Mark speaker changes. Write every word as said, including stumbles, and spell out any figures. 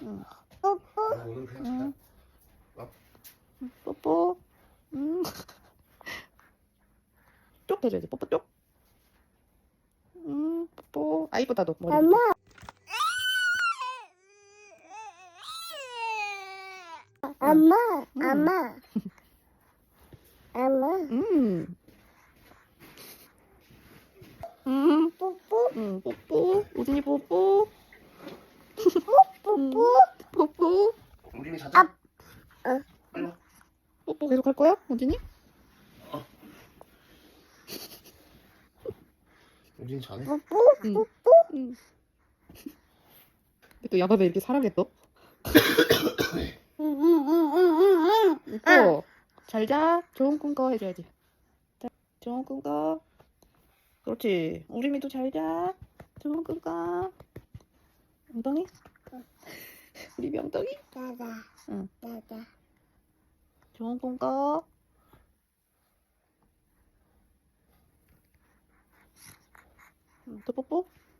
Speaker 1: 응.
Speaker 2: 뽀뽀.
Speaker 3: 오늘 그냥
Speaker 1: 응.
Speaker 3: 자.
Speaker 1: 응. 뽀뽀. 응. 쪽 해줘야지. 뽀뽀 쪽. 응. 뽀뽀. 아 이쁘다 너 머리.
Speaker 2: 엄마. 엄마.
Speaker 1: 응.
Speaker 2: 엄마. 엄마.
Speaker 1: 음. 음.
Speaker 2: 뽀뽀.
Speaker 1: 응. 뽀뽀. 우진이 뽀뽀.
Speaker 2: 뽀뽀.
Speaker 1: 뽀뽀.
Speaker 3: 우진이 자자.
Speaker 2: 아. 어.
Speaker 3: 빨리 와.
Speaker 1: 뽀뽀 계속 할 거야? 우진이?
Speaker 3: 우진이 자네.
Speaker 2: 뽀뽀.
Speaker 1: 응.
Speaker 2: 뽀뽀.
Speaker 1: 응. 또 야바베 이렇게 사랑했어?
Speaker 2: 응응응응응응.
Speaker 1: 또 잘 자. 좋은 꿈 꿔 해줘야지. 자, 좋은 꿈 꿔. 그렇지. 우리미도 잘 자. 좋은 꿈 꿔. 엉덩이? 우리 엉덩이?
Speaker 2: 자자.
Speaker 1: 응.
Speaker 2: 자자.
Speaker 1: 좋은 꿈 꿔. 응, 또 뽀뽀?